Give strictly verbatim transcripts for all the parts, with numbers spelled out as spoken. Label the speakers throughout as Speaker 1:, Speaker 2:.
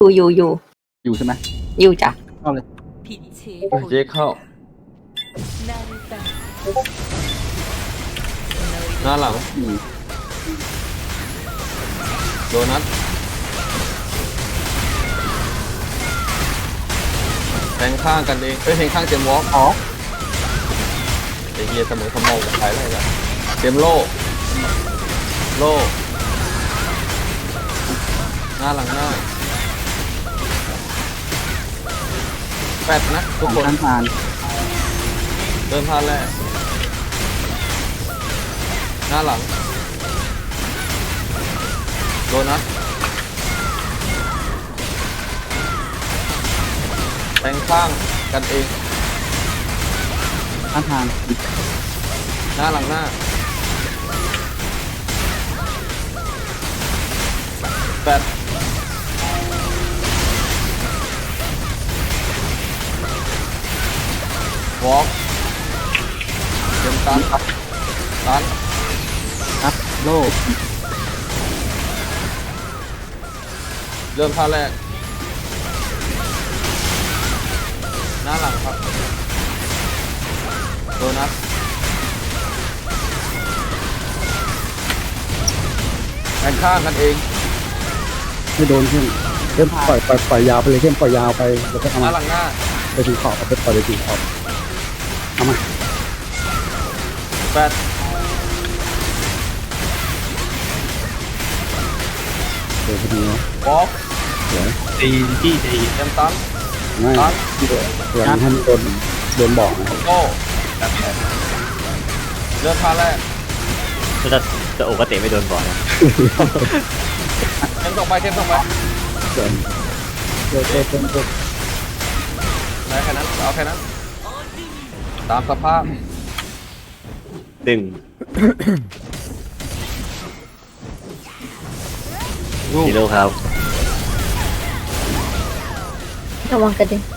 Speaker 1: อยู่อยู่อยู่
Speaker 2: อยู่ใช่ไหม
Speaker 1: อยู่จ้ะ
Speaker 2: เข้าเลย
Speaker 3: เจ๊เข้าหน้าหลังโดนัทแทงข้างกันเองเอ้ยแทงข้างเจมวอล์กอ๋อไอเฮียเสมอขโมยกับใครอะไรกันเจมโลโลหน้าหลังหน้าแปดนะทุกคน
Speaker 2: ท่านผ่าน
Speaker 3: เดินผ่านแรกหน้าหลังโดนัทแทงข้างกันเอง
Speaker 2: ท่านผ่าน
Speaker 3: หน้าหลังหน้าแปดวอล์กเต็มตันตัน
Speaker 2: ครับโลก
Speaker 3: เริ่มท่าแรกหน้าหลังครับโดนัทแทงข้างกันเอง
Speaker 2: ไม่โดนเข้มเข้มปล่อยปล่อยปล่อยยาวไปเลยเข้มปล่อยยาวไปแล้วก็เอา
Speaker 3: ห
Speaker 2: มา
Speaker 3: น้าหลังหน้า
Speaker 2: ไปถึงขอบเอาไปปล่อยไปถึงขอบเอามา
Speaker 3: แปด
Speaker 2: เดี๋ยวพอดีนะ
Speaker 3: วอล์ก
Speaker 2: เดี๋ยว
Speaker 4: ตีที่ตี
Speaker 3: เต็มตัน
Speaker 2: ไม่
Speaker 3: ตัน
Speaker 2: เดี๋ยวให้มันโดนโดนบอกนะ
Speaker 3: โก้เริ่มท่าแรก
Speaker 4: จะจะโอกเตะไม่โดนก่อนนะ
Speaker 3: เต็มส่งไปเต็มส่งไป
Speaker 2: เดี๋ยวเดี๋ยวเดี๋ยวเดี๋ยวเดี๋ยว
Speaker 3: ไหนแค่นั้นเอาแค่นั้นตามสภาพ
Speaker 4: ดึง
Speaker 3: ลูก
Speaker 4: ฮีโร่ครับ
Speaker 1: ระวังกระเด็น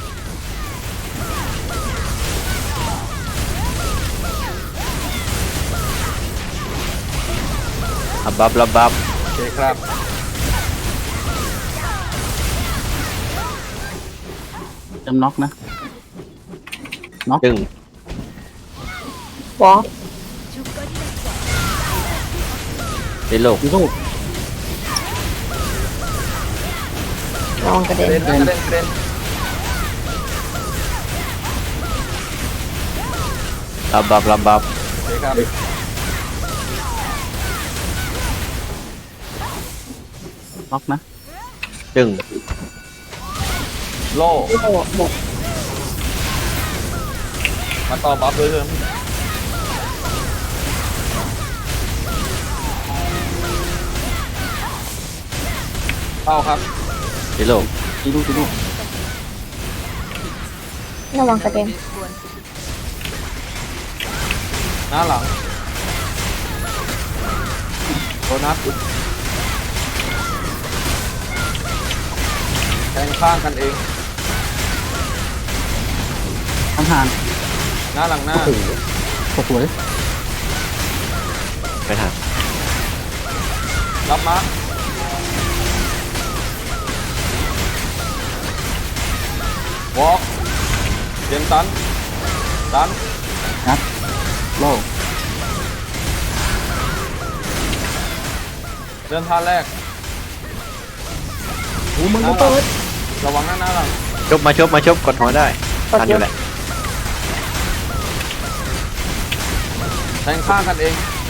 Speaker 4: อับบับลับบับ
Speaker 3: โอเคครับ
Speaker 2: จำน็อกนะน็อก
Speaker 4: ดึง
Speaker 1: วอล
Speaker 4: ตีโลก
Speaker 2: ลูก
Speaker 1: ระวังกระ
Speaker 3: ก
Speaker 1: เด็
Speaker 3: ระ
Speaker 1: น
Speaker 3: เด็นนะกระเด็นกระเด็น
Speaker 4: ลับบับลับบับ
Speaker 3: โอเคครับ
Speaker 2: น็อกนะ
Speaker 4: ดึง
Speaker 3: โล่
Speaker 1: โอ้โหหมด
Speaker 3: มาต่อบัฟเลยเถอะเข้าครับ
Speaker 4: ตีโลก
Speaker 2: ตีลูกตีลูก
Speaker 1: ระวังกระเด็น
Speaker 3: หน้าหลังโดนัทแทงข้างกันเอง
Speaker 2: ท่านผ่าน
Speaker 3: หน้าหลังหน้า
Speaker 2: โอ้โหตกสวย
Speaker 4: ไม่ทัน
Speaker 3: รับมาร์วอล์กเตรียมตันตัน
Speaker 2: นัดโลก
Speaker 3: เริ่มท่าแรก
Speaker 2: โอ้มึง
Speaker 3: หน้าหลังระวังหน้าหน้าหลัง
Speaker 4: ชบมาชบมาชบกดหัวได้
Speaker 1: กด
Speaker 4: ทัน
Speaker 1: เย
Speaker 4: อยู่
Speaker 1: อะ
Speaker 4: แหละ
Speaker 3: แทงข้างกันเอง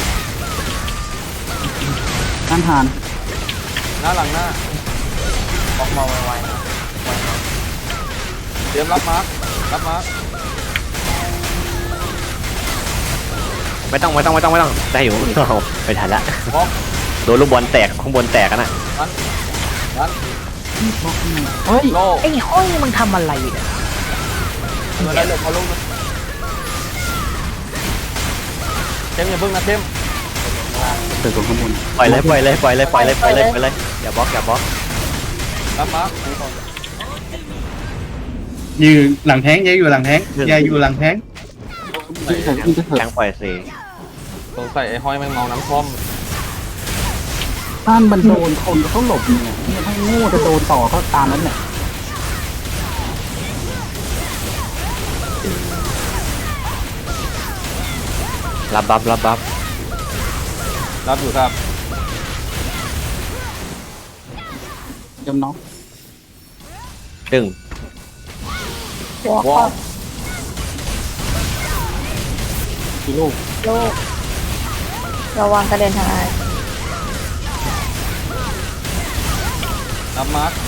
Speaker 2: ท่านผ่าน
Speaker 3: หน้าหลังหน้าออกมาไวๆนะเตรียมรับมาร์ครับมาร์ค
Speaker 4: ไม่ต้องไม่ต้องไม่ต้องไม่ต้องได้อยู่ เอาไม่ทันละ
Speaker 3: วอล์ก
Speaker 4: โดนลูกบอลแตกข้างบนแตกกันน่ะ
Speaker 3: ตันตัน
Speaker 2: เฮ้ย
Speaker 3: โล่
Speaker 4: ไอ้ห้อยมึงทำอะไรเนี่ย
Speaker 3: เมื่อไรเหลือเขาลูกนะเทมอย่าเพิ่งนะเทม
Speaker 2: เกิดตรงข้างบน
Speaker 4: ปล่อยเลยปล่อยเลยปล่อยเลยปล่อยเลยปล่อยเลยปล่อยเลยอย่าบล็อกอย่าบล็อก
Speaker 3: รับมาร์ค
Speaker 5: ยืนหลังแท้งยายอยู่หลังแท้งยายอยู่หลังแท้ง
Speaker 2: ยิงใส่ยิงจะเถ
Speaker 4: แท
Speaker 2: อะ
Speaker 4: งปล่อยสิ
Speaker 3: สงสัยไอ้ห้อยมันเมาน้ำท่อม
Speaker 2: ถ้ามันโดนคนเขาหลบเนี่ยถ้าโง่จะโดนต่อก็ตามนั้นแหละ
Speaker 4: รับบัฟรับบัฟ
Speaker 3: รับอยู่ครับ
Speaker 2: เตรียมน้อง
Speaker 4: ดึง
Speaker 1: วอล
Speaker 3: วอล์ก
Speaker 2: กิโลูก
Speaker 1: โลกระวังกระเด็นทางไอ
Speaker 3: รับมาร์ค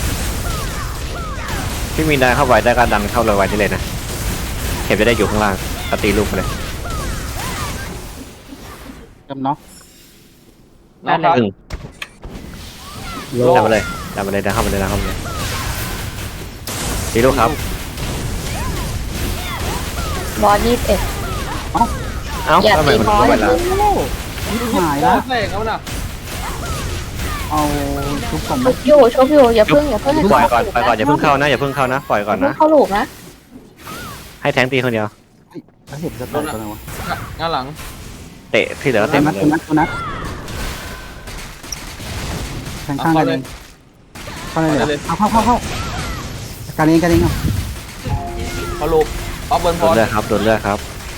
Speaker 4: พี่มีนได้เข้าไว้ได้ก็ดันเข้าเลยไว้ได้เลยนะเข็มจะได้อยู่ข้างล่างก็ตีลูกไปเลย
Speaker 2: เตรียมน้อง
Speaker 3: น้องครับ
Speaker 4: ดึง
Speaker 2: โล
Speaker 4: ดันมาเลยดันมาเลยดันเข้ามาเลยดันเข้ามาเลยตีลูกครับ
Speaker 1: บอสยี่สิบเอ็ด
Speaker 4: เอ้า
Speaker 1: อย่า
Speaker 4: ทำไม
Speaker 1: ตี
Speaker 4: มัน
Speaker 1: บอ
Speaker 4: เข้า
Speaker 1: ส
Speaker 4: ไปแล้ว
Speaker 2: หาย
Speaker 3: แล้
Speaker 2: ละ
Speaker 3: วแรงแล้วนะ
Speaker 2: เอาทุกคน
Speaker 1: ชุบอยู่ชุบอยู่อย่าเพิ่งอย่าเพิ่ง
Speaker 4: ปล่อยก่อนปล่อยก่อนอย่าเพิ่งเข้านะอย่าเพิ่งเข้านะปล่อยก่อน
Speaker 1: อย่าเพิ่
Speaker 4: นะ
Speaker 1: งเข้าลูกนะ
Speaker 4: ให้แทงตีคนเดียว
Speaker 2: แล้วเห็นจะตายกันเลยวะ
Speaker 3: งานหลัง
Speaker 4: เตะที่เหลือ
Speaker 2: เต็
Speaker 4: เต็
Speaker 2: ม
Speaker 4: ม
Speaker 2: นัด
Speaker 4: เล
Speaker 2: เต็
Speaker 4: ย
Speaker 2: มนัดเต็มนัดแทงข้างกันเองเข้าเลยเลยเข้าเข้าเข้าเข้าการเองการเองเอา
Speaker 3: พอลูกเอาเบิร์น
Speaker 4: โด
Speaker 3: พอน
Speaker 4: เลือดครับโดนเลือดครับ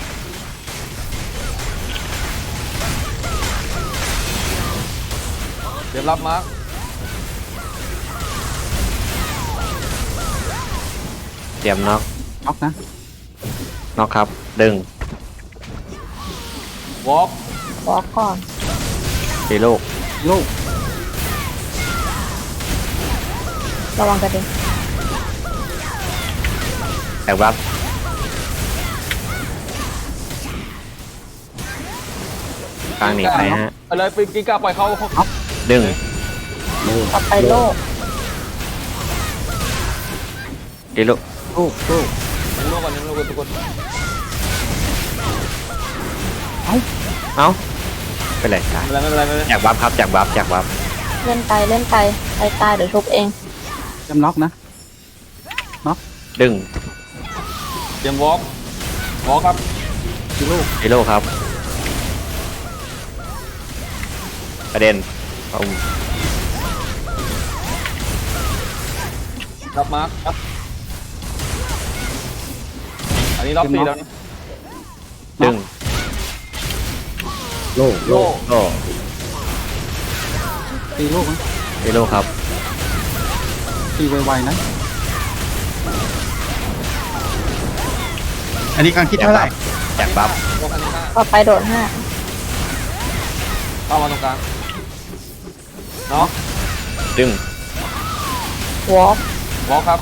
Speaker 3: เดี๋ยวรับมาร์ค
Speaker 4: เตรียมน็อก
Speaker 2: น็อกนะ
Speaker 4: น็อกครับดึง
Speaker 3: วอล์ก
Speaker 1: วอลก่อน
Speaker 4: ตีลูก
Speaker 2: ลูก
Speaker 1: ระวังกระเด็น
Speaker 4: แตกบัฟกลางหนีไปฮะ
Speaker 3: ไปเลยไปกินกาปล่อยเขาเขา
Speaker 4: ดึง
Speaker 1: ต่อไปโลก
Speaker 4: ตีลูก
Speaker 2: ลูกลูก
Speaker 3: เลี้ยงลูกก่อนเลี้ยงลูกก่อนทุกคน
Speaker 4: เอ้าไปเลยจ้ะ
Speaker 3: ไม่เป็นไรไม่เป็นไรไม่เป็นไร
Speaker 4: จากบัฟครับจากบัฟจากบัฟ
Speaker 1: เล่นไปเล่นไปไปตายเดี๋ยวชุบเอง
Speaker 2: เตรียมน็อกนะ
Speaker 4: ดึง
Speaker 3: เตรียมวอล์กวอล์กครับ
Speaker 2: กิลูก
Speaker 4: ตีลูกครับประเด็นเอา
Speaker 3: รับมาร์คครับอันนี้รอบสี่แล้วนะ
Speaker 4: ดึง
Speaker 2: โลก
Speaker 3: โล่
Speaker 4: โอ้
Speaker 2: ตีลูกนะ
Speaker 4: ตีลูกครับ
Speaker 2: ตีไวๆนะ
Speaker 5: อันนี้กำลังคิดเท่าไหร่
Speaker 4: จากบัฟ
Speaker 3: วอล์กอันนี้ห้า
Speaker 1: ต่อไปโดดห้า
Speaker 3: เข้ามาตรงกลางเนาะ
Speaker 4: ดึง
Speaker 1: วอล
Speaker 3: วอล์กครับ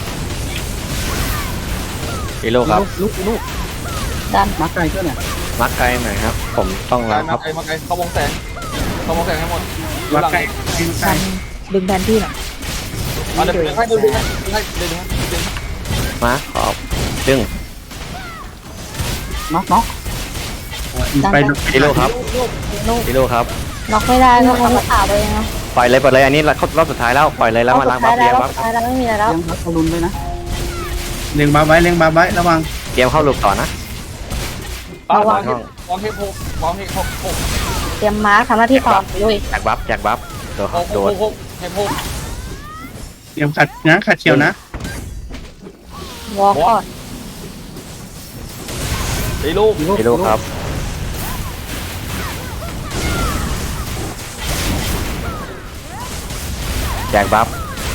Speaker 4: ตีลูกครับ
Speaker 2: ลูกลูก
Speaker 1: ดัน
Speaker 2: มาไกลเพื่อนเนี่ย
Speaker 4: มักไกลหน่อยครับ ผมต้อง
Speaker 3: ไกล
Speaker 4: รับค
Speaker 3: มา
Speaker 4: รับ
Speaker 3: ไกลมาไกลเข้าวงแสงเข้าวงแสงให้หมดอยู่
Speaker 5: วัด
Speaker 3: หลัง
Speaker 5: ใกล้กินใกล้
Speaker 1: ดันดึงแทนที่หน่อย
Speaker 3: เอาเดี๋ยวเดี๋ยวให้เดี๋ยวเดี๋ยวให้เดี๋ยวเดี๋ยวให้เดี๋ยว
Speaker 4: มาขอบดึง
Speaker 2: น็อกน็อก
Speaker 5: ไป
Speaker 4: ตีลูกครับ
Speaker 1: ลูกลูก
Speaker 4: ตีลูกครับ
Speaker 1: น็อกไม่ได้ก็เอามาอาบเลยนะ
Speaker 4: ปล่อยเลยปล่อยเลยอันนี้รอบสุดท้ายแล้วปล่อยเลยแล้วมาล้างบัฟ
Speaker 1: แล้
Speaker 4: เตรียว ม
Speaker 1: ร
Speaker 4: บั
Speaker 1: อบ
Speaker 4: ฟ
Speaker 1: สุดท้ายแล้วไม่มีอะไรแล้ว
Speaker 2: เลี้ยงพักรุนด้วยนะ
Speaker 5: เลี้ยงบาไว้เลี้ยงบาไว้ระวัง
Speaker 4: เตรียมเข้าลูกต่อนะ
Speaker 3: ป้าวางวางเฮปหกวางเฮปหกหก
Speaker 1: เตรียมมาร์คทำหน้าที่ต่อลุย
Speaker 4: จากบัฟจากบัฟโดน
Speaker 3: หก
Speaker 4: โด
Speaker 3: ห
Speaker 4: น
Speaker 3: กหกเฮปหก
Speaker 5: เตรียมขัดนะขัดเชียวนะ
Speaker 1: วอลก่อน
Speaker 3: ตีลูก
Speaker 4: ตีลูกครับแจกบัฟ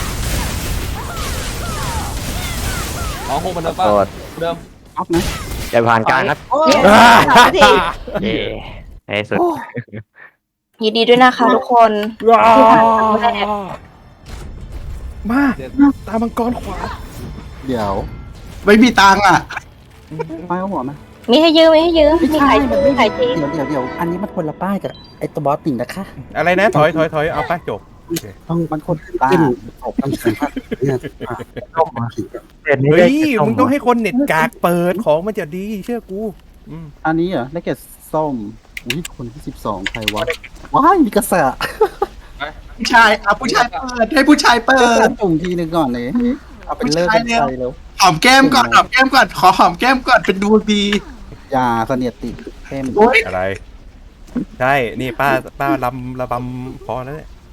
Speaker 3: สองหกเหมือนเดิมป่ะ
Speaker 4: โดด
Speaker 3: เดิม
Speaker 2: น็อกนะ
Speaker 4: อย่าผ่านกลางครับ
Speaker 1: เย้สามนาที
Speaker 4: เย้ในที่สุด
Speaker 1: ยินดีด้วยนะคะทุกคนที่ผ่านครั้งแรก
Speaker 5: มาตามังกรขวา
Speaker 2: เดี๋ยว
Speaker 5: ไม่มีตังค์อ่ะ
Speaker 2: ป้ายเอาหัวไหม
Speaker 1: มีให้ยืมมีให้ยืมมีไข่ทีมีไข่ที
Speaker 2: เดี๋ยวเดี๋ยวเดี๋ยวอันนี้มันคนละป้ายกับไอ้ตัวบอสติ่งนะคะ
Speaker 6: อะไรนะถอยถอยถอยเอาไปจบ
Speaker 2: ต้องมันคนป้าออกคำสั่งเนี่ยเข้ามาถึง
Speaker 6: เฮ้ยมึงต้องให้คนเน็ตกากเปิดของมันจะดีเชื่อกูอืม
Speaker 2: อันนี้เหรอได้แก่ส้มอุ้ยคนที่สิบสองใครวะว้ายมีกระแส
Speaker 5: ผู้ชายอ่ะผู้ชายเปิดให้ผู้ชายเปิ
Speaker 2: เปิ
Speaker 5: ด
Speaker 2: ดตุ่มทีนึงก่อนเลยเอาเป็นเลิกเป็นใจแล้ว
Speaker 5: หอมแก้มก่อนหอมแก้มก่อนขอหอมแก้มก่อนเป็นดวงดี
Speaker 2: ยาเสนียดติดเข้ม
Speaker 5: โอ้ย
Speaker 6: อะไร ใช่ นี่ป้าป้าลำระบำพอแล้วเนี่ย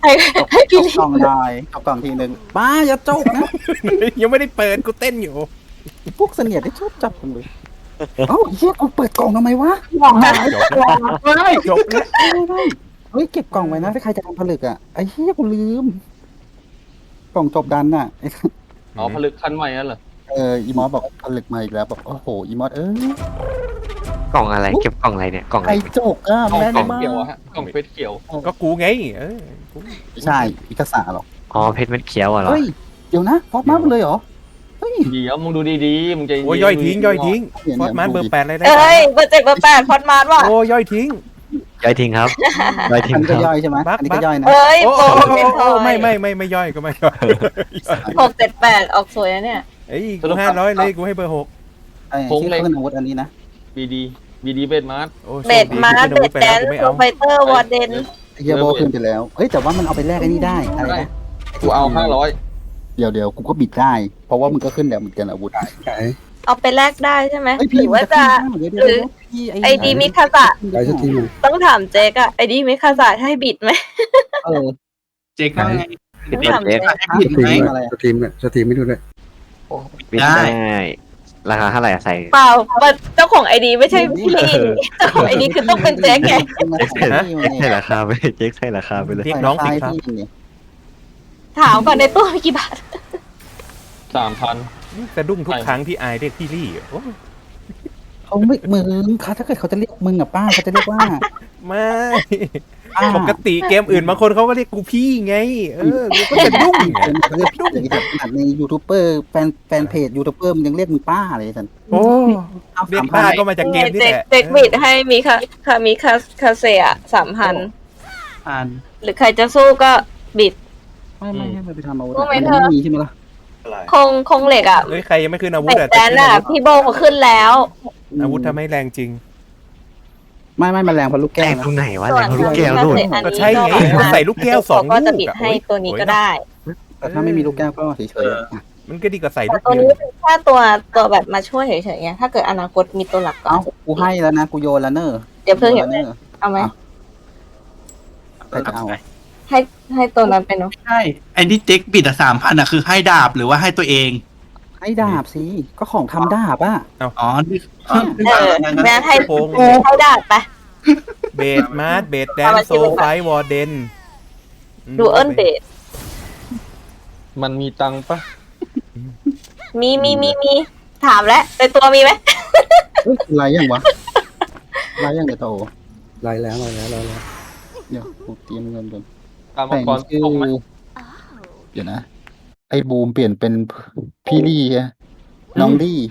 Speaker 1: ให้ให้
Speaker 2: จ
Speaker 1: พี่
Speaker 2: บ
Speaker 1: ลิ
Speaker 2: กล่องได้จบกล่องทีหนึ่งป้าอย่าจบนะ
Speaker 6: ยังไม่ได้เปิดกูเต้นอยู่
Speaker 2: พวกเสนียดที่ชอบจับกันเลยเอ้าเฮียกูเปิดกล่องทำไมวะ
Speaker 6: จบแล้วจบแล้ว
Speaker 2: เฮ้ยเก็บกล่องไว้นะถ้าใครจะทำผลึกอ่ะไอ้เฮียกูลืม กล่องจบดันน่ะ
Speaker 3: อ๋อผลึกคันใหม่นั่นเหรอ
Speaker 2: เอออีมอสบอกผลึกมาอีกแล้วบอกโอ้โหอีมอสเออก
Speaker 4: ล่องอะไรเก็บกล่องอะไรเนี่ยกล่องอะ
Speaker 2: ไอ้
Speaker 4: ไร
Speaker 2: จกอ่ะ
Speaker 3: กล่อง
Speaker 2: แม่น
Speaker 3: เฟส
Speaker 2: มาก
Speaker 3: เขียวอะฮะกล่องเฟสเขียว
Speaker 6: ก็กูไงเออกู
Speaker 2: ไม่ใช่อีกษาหรอก
Speaker 4: อ๋อเพชรเม็ดเขียวอะเหรอ
Speaker 2: เฮ้ยเดี๋ยวนะฟอสมาหมดเลยเหรอเฮ้ย
Speaker 3: เดี๋ยวมึงดูดีๆมึงใจเน
Speaker 6: โอ้ยย่อยทิ้งย่อยทิ้ง
Speaker 2: เนี่ย
Speaker 6: ฟอสมันเบอร์แปดเลยได้
Speaker 1: เอ้ยเบอร์เจ็ดเบอร์แปดพอดมาร์ว่ะ
Speaker 6: โอ้ย่อยทิ้ง
Speaker 4: ย่อยทิ้งครับย่อยทิ้
Speaker 2: อั
Speaker 4: ง
Speaker 2: นนี้
Speaker 4: ค
Speaker 2: ก็
Speaker 4: รับ
Speaker 2: ย่อยใช่ไหม
Speaker 6: บัก
Speaker 2: อันนี้
Speaker 6: บั
Speaker 2: ก็
Speaker 6: ก
Speaker 2: ย่อยนะ
Speaker 1: เอ้ย
Speaker 6: โอ้
Speaker 1: โปร
Speaker 6: โอ้
Speaker 1: เป็นพล
Speaker 6: โอ้
Speaker 1: อย
Speaker 6: ไม่ไม่ไม่ไม่ย่อยก็ไม่ย่อย
Speaker 1: หกเจ็ดแปดออกสวยนะเนี่ย
Speaker 6: เอ้ยกูห้าร้อยเลยกูให้เบอร์หก
Speaker 2: ไอ้ที่ขึ้นอาวุธอันนี้นะ
Speaker 3: บีดีบีดีเบสมาร์ท
Speaker 6: โอ้โชค
Speaker 1: เบดมาร์
Speaker 6: กู
Speaker 1: เบ
Speaker 6: ขึ้
Speaker 1: ด
Speaker 6: อาวุธ
Speaker 1: แด
Speaker 6: ไป
Speaker 1: น
Speaker 6: แล้วกูไม่
Speaker 1: โซ
Speaker 6: เอา
Speaker 1: ไฟเตอร์วอร์เดน
Speaker 2: ไอ้เฮียโบขึ้นไปแล้วเฮ้ยแต่ว่ามันเอาไปแลกไอ้นี่ได้อะไรนะ
Speaker 3: กูเอาห้าร้อย
Speaker 2: เดี๋ยวเดี๋ยวกูก็บิดได้ เพราะว่ามึงก็ขึ้นแล้วเหมือนกันอาวุธ
Speaker 1: เอาไปแลกได้ใช่ไหม
Speaker 2: ไอ้ย
Speaker 1: ห
Speaker 2: พี่
Speaker 1: รือว่าจะ
Speaker 2: เดี๋ยวเดี๋ยว
Speaker 1: หรือ
Speaker 2: เดี๋ยวพี่
Speaker 1: ไอดีมิคาสะ
Speaker 2: ไปสักทีหนึ่ง
Speaker 1: ต้องถามเจ๊กอะไอดีมิคาสะให้บิดไหม
Speaker 2: เออ
Speaker 5: เจ๊กว่าไง
Speaker 1: ต้องถามเจ๊ก
Speaker 5: ให้ผิด
Speaker 2: สต
Speaker 5: ไหม
Speaker 2: รีมอะไร
Speaker 7: สตรีมเนี่ยสตรีมไม่ดูด้วย
Speaker 4: ไม่ได้ราคาเท่าไหร่อะใส่
Speaker 1: เปล่าเจ้าของไอดีไม่ใช่พี่เจ้าของไอดีคือต้องเป็นเจ๊กไง
Speaker 4: เจ๊กใช่ราคาไปเจ๊กใช่ราคาไปเลย
Speaker 6: เรียกน้องสิครับ
Speaker 1: ถามก่อนในตู้มีกี่บาท
Speaker 3: สามพัน
Speaker 6: กระดุ้งทุกครั้งที่อายเรียกพี่ลี่โอ้
Speaker 2: เขาไม่มึงเขาถ้าเกิดเขาจะเรียกมึงอะป้าเขาจะเรียกว่า
Speaker 6: ไม่
Speaker 2: ป้า
Speaker 6: ปกติเกมอื่นบางคนเขาก็เรียกกูพี่ไง เออกูก็จะดุ้งไง
Speaker 2: เขาเรียกอย่างนี้ขนาดในยูทูบเบอร์แฟนแฟนเพจยูทูบเบอร์มันยังเรียกมึงป้าเลยสัน
Speaker 6: โอ้เรียกป้าก็มาจากเกมนี่
Speaker 1: เจ๊ก
Speaker 6: แหละ
Speaker 1: เจ๊กบิดให้มีคาคามีคาคาเซียสามพัน
Speaker 5: อ่าน
Speaker 1: หรือใครจะสู้ก็บิด
Speaker 2: ไม่ไม่ให้มันไปทำอาวุธ
Speaker 1: รู้ไหม
Speaker 2: มัน
Speaker 1: เธอ
Speaker 2: ไม่มีใช่ไหมล่ะ
Speaker 1: คงคงเหล็กอ่ะ
Speaker 6: เฮ้ยใครยังไม่ขึ้นอาวุธ
Speaker 1: เบ็ด
Speaker 6: อะ
Speaker 1: แดนอ่ะพี่โบเขาขึ้นแล้ว
Speaker 6: อาวุธทำให้แรงจริง
Speaker 2: ไม่ไม่มันแรงเพราะลูก
Speaker 4: แก
Speaker 2: แก้ว
Speaker 4: ง
Speaker 2: นะ
Speaker 4: ตรงไหนวะ
Speaker 1: ส่
Speaker 4: แร
Speaker 1: วน
Speaker 4: งลูกแก้วนู่น
Speaker 6: ก็ใช่ไงก็ใส่ลูกแก้วสอง
Speaker 1: ก็
Speaker 6: ลู
Speaker 1: จะ
Speaker 6: ก
Speaker 1: บิด
Speaker 6: อะ
Speaker 1: ให้ตัวนี้ก็ได้
Speaker 2: แต่ถ้าไม่มีลูกแก้วก็เฉยๆอะ
Speaker 6: มันก็ดีกว่าใส่ลู
Speaker 1: แต่
Speaker 6: ก
Speaker 1: ตัว
Speaker 6: เดียว
Speaker 1: นี้เป็นแค่ตัวตัวแบบมาช่วยเฉยๆไงถ้าเกิดอนาคตมีตัวหลักก็
Speaker 2: เอ้ากูให้แล้วนะกูโยนแล้วเนอะ
Speaker 1: เดี๋ยวเพิ่งเห็น
Speaker 2: โยแล้วเนอะ
Speaker 1: เอาไหม
Speaker 2: ใครจะเอา
Speaker 1: ให้ให้ตัวนั้นไปเนาะ
Speaker 5: ใช่ไอ้ที่เจ๊กบิดอ่ะสามพันอ่ะคือให้ดาบหรือว่าให้ตัวเอง
Speaker 2: ให้ดาบสิก็ของทำดาบอ่ะ
Speaker 5: อ๋อนี่
Speaker 1: เออแม่ให้
Speaker 6: โค้ง
Speaker 1: ให้ดาบไป
Speaker 6: เบดมาร์ทเบดแดนโซไฟวอร์เดน
Speaker 1: ดูเอิ้นเบส
Speaker 3: มันมีตังค์ปะ
Speaker 1: มีมีมีมีถามแล้วในตัวมีไหม
Speaker 2: เฮ้ยไรยังวะไรยังเดี๋ยวโต
Speaker 7: ไลน์แล้วไลน์แล้วไลน์แล้ว
Speaker 2: เดี๋ยวกูเตรียมเงินก่อน
Speaker 3: ตามมั
Speaker 2: แต่
Speaker 3: ง
Speaker 2: ง
Speaker 3: กร
Speaker 2: ชื่อ
Speaker 3: ตกไหม
Speaker 2: เดี๋ยวนะ ไอ้บูมเปลี่ยนเป็นพี่ลี่อะน้องลี่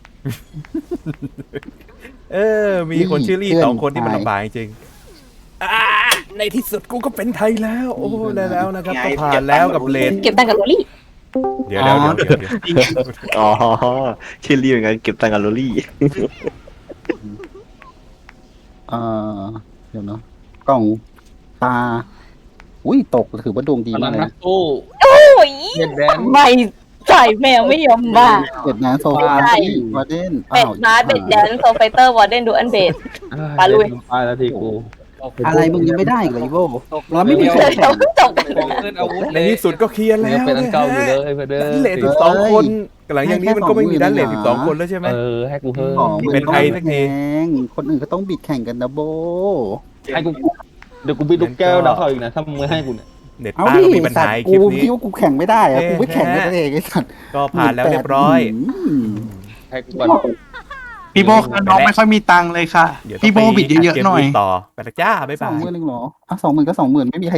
Speaker 6: เออ มีคนชื่อลี่
Speaker 2: เพื่อน
Speaker 6: สองคนที่มัน
Speaker 2: ชาย
Speaker 6: ลำบากจริงอ่าในที่สุดกูก็เป็นไทยแล้ว โอ้ได้แล้วนะครับก็ผ่านแล้วกับเลน
Speaker 1: เก็บตังค์กับโรลี่
Speaker 6: เดี๋ยวเดี๋ยวเดี๋ยวเดี๋ยวเดี๋ยว
Speaker 4: อ๋อชื่อรีเหมือนกันเก็บตังค์กับโรลี่
Speaker 2: เอ่อเดี๋ยวเนาะกล่องตา อุ้ยตกถือว่าดวงดี
Speaker 3: พลั
Speaker 2: มาก
Speaker 3: ง
Speaker 2: เลย
Speaker 3: นัก
Speaker 2: นะ
Speaker 3: สู้
Speaker 1: โอ้ย
Speaker 3: เบดแดน
Speaker 1: ไม่จ่ายแมวไม่ยอมมา
Speaker 2: เด็ดนะโซฟา
Speaker 1: ใช่
Speaker 2: ที่วาเดน
Speaker 1: เป็ดมาร์เบ็ดแดนโซไฟเตอร์วอร์เดนดูอันเบส ปาลุย
Speaker 3: ตายแล้วทีกู
Speaker 2: อะไรมึงยังไม่ได้อีกเลยโว้เราไม่มี
Speaker 1: เดี๋ยวเดี๋ยวจบกัน
Speaker 3: ของขึ้นอาวุธ
Speaker 6: ในที่สุดก็เคลียร์
Speaker 3: เนื้
Speaker 6: แล้
Speaker 3: อ
Speaker 6: ว
Speaker 3: เป็นอันเก่าอยู่เลยเพื่อนเด้
Speaker 6: ดันเล
Speaker 3: อ
Speaker 6: ทสิบสองคนหลังอย่างนี้มันก็ไม่มีดันเลทสิบสองคนแล้วใช่ไหม
Speaker 3: เออให้กูเพิ่ม
Speaker 2: ของ
Speaker 6: เป็นไทยสักที
Speaker 2: แพงคนอื่นก็ต้องบิดแข่งกันนะโบ
Speaker 3: ให้กูเดี๋ยวกูบิดลูกแก้วดาวเขาอีกนะถ้ามึงไม่ให้กูเนี่ย
Speaker 6: เน็ต
Speaker 2: เอา
Speaker 6: ป้า
Speaker 2: ดิ
Speaker 6: ก็มีปัญ
Speaker 2: สัต
Speaker 6: หา
Speaker 2: ว์
Speaker 6: คลิ
Speaker 2: กู
Speaker 6: ปนี้
Speaker 2: คิดว่ากูแข่งไม่ได้อะ
Speaker 6: เอ๊ะ
Speaker 2: กูไม่แข่งกันเองไอ้สัตว์
Speaker 6: ก็ผ่านแล้วเรียบร้อย
Speaker 2: ม
Speaker 3: ให้กูก่อน
Speaker 5: พี่โบคะน้องไม่ค่อยมีตังค์เลยค่ะ
Speaker 6: เดี๋ยวต้
Speaker 5: พี่
Speaker 6: ง
Speaker 5: โบ
Speaker 6: ไป
Speaker 5: บิดเยอะๆหน่อย
Speaker 6: เกมต่อไปละจ้าบ๊าย
Speaker 2: สอบ
Speaker 6: าง ย
Speaker 2: หมื่นหนึ่งเหรออ่ะสองหมื่นก็สองหมื่นไม่มีใคร